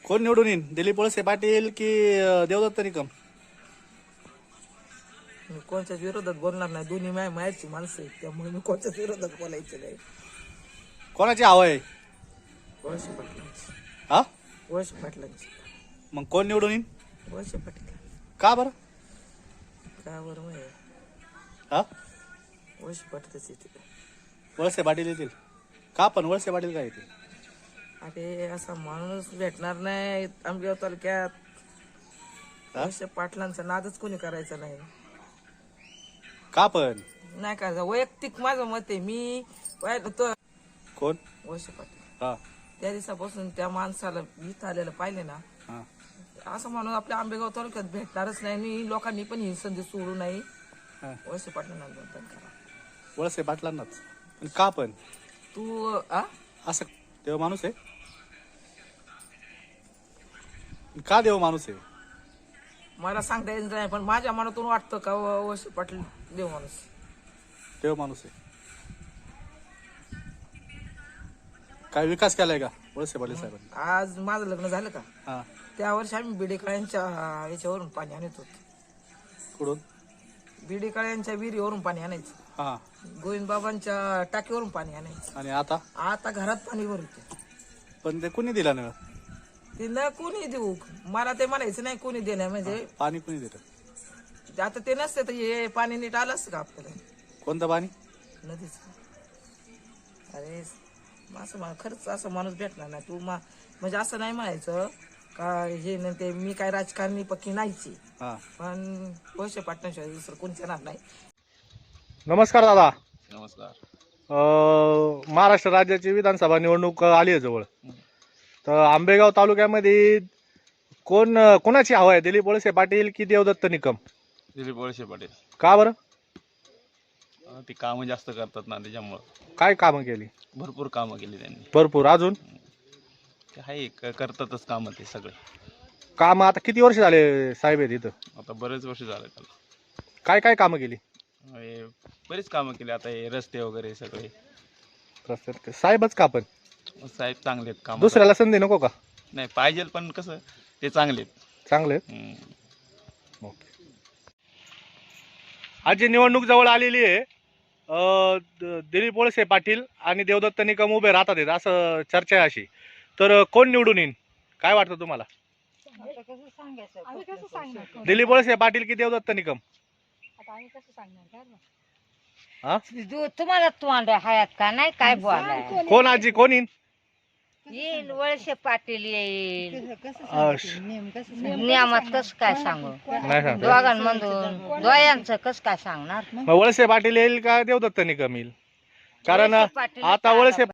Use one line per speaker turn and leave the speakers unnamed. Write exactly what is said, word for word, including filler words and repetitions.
कोण निवडून येईल, दिलीप वळसे पाटील की अं, देवदत्त निकम?
मी कोणत्याच विरोधात बोलणार नाही. दोन्ही माय मायाची माणसं आहेत, त्यामुळे मी कोणत्याच विरोधात बोलायचं नाही.
कोणाची हवा आहे?
वळसे पाटलांची.
हा
वळसे पाटलांची.
मग कोण निवडून येईल?
वळसे पाटील.
का बरं?
का बरं माहिती
हा
वळसे पाटीलच येते.
वळसे पाटील येतील का? पण वळसे पाटील काय येतील?
अरे असा माणूस भेटणार नाही आंबेगाव तालुक्यात. वळसे पाटलांचा नादच कोणी करायचा नाही.
का पण?
नाही का वैयक्तिक माझं मत आहे. मी पाहिलं तो
कोण?
वळसे पाटील.
हा
त्या दिवसापासून त्या माणसाला इथं आलेलं पाहिले ना,
हा
असं म्हणून आपल्या आंबेगाव तालुक्यात भेटणारच नाही. आणि लोकांनी पण ही संधी सोडू नाही.
हा.
वळसे पाटलांना मतदान करा.
वळसे पाटलांनाच. पण का पण?
तू आ
असं देव माणूस आहे? का देव माणूस आहे?
मला सांगता येत नाही, पण माझ्या मनातून वाटतं का व- वळसे पाटील देव माणूस.
देव माणूस आहे. काय विकास केलाय का वळसे पाटील साहेबांनी?
आज माझं लग्न झालं का,
हा
त्या वर्षी आम्ही बिडेकाळ्यांच्या याच्यावरून पाणी आणत होतो.
कुठून?
बिडेकाळ्यांच्या विहिरीवरून पाणी आणायचं.
हा
गोविंद बाबांच्या टाकीवरून पाणी आणायचं.
आणि आता?
आता घरात पाणी भरते.
पण ते कुणी दिला नळ?
ते न कोणी देऊ, मला ते म्हणायचं नाही कोणी देणार. म्हणजे
पाणी कुणी दिलं?
आता ते नसते तर हे पाणी नीट आलं असतं का आपल्याला?
कोणतं पाणी?
नदीच. अरे असं मा- खरंच असं माणूस भेटणार नाही. तू मा म्हणजे असं नाही म्हणायचं का हे न ते मी काय राजकारणी पक्की नाहीची,
हा
पण वळसे पाटलांशिवाय दुसरं कोणीच येणार नाही.
नमस्कार दादा.
नमस्कार.
अं, महाराष्ट्र राज्याची विधानसभा निवडणूक आली आहे जवळ. तर आंबेगाव तालुक्यामध्ये कोण कोणाची हवा आहे, दिलीप वळसे पाटील की देवदत्त निकम?
दिलीप वळसे पाटील.
का बरं?
अं, ती कामं जास्त करतात ना, त्याच्यामुळं
काय कामं केली?
भरपूर कामं केली त्यांनी.
भरपूर. अजून
ते आहे क- करतातच कामं ते सगळे.
काम आता किती वर्ष झाले साहेब आहेत इथं?
आता बरेच वर्ष झाले त्याला.
काय काय कामं केली?
हे बरीच कामं केली. आता हे रस्ते वगैरे सगळे.
रस्त्यात साहेबच का? पण
साहेब चांगले आहेत काम.
दुसऱ्याला संधी नको का?
नाही पाहिजे, पण कसं ते चांगले आहेत.
चांगले आहेत.
हम्म.
ओके. आज जी निवडणूक जवळ आलेली आहे, अं, द- दिलीप वळसे पाटील आणि देवदत्त निकम उभे राहतात आहेत असं चर्चा आहे अशी. तर अं, कोण निवडून येईल काय वाटतं तुम्हाला? दिलीप वळसे पाटील की देवदत्त निकम? हा?
तुम्हाला तोंड हयात का नाही काय बोलाय?
कोण आजी कोण येईल?
येईल वळसे पाटील येईल.
अं, श-
नियमात कस काय सांगू?
नाही सांगता.
दोघांमधून दोयांचं कस काय सांगणार?
मग वळसे पाटील येईल का देवदत्त निकम येईल? कारण
वळसे पाटील
आता वळसे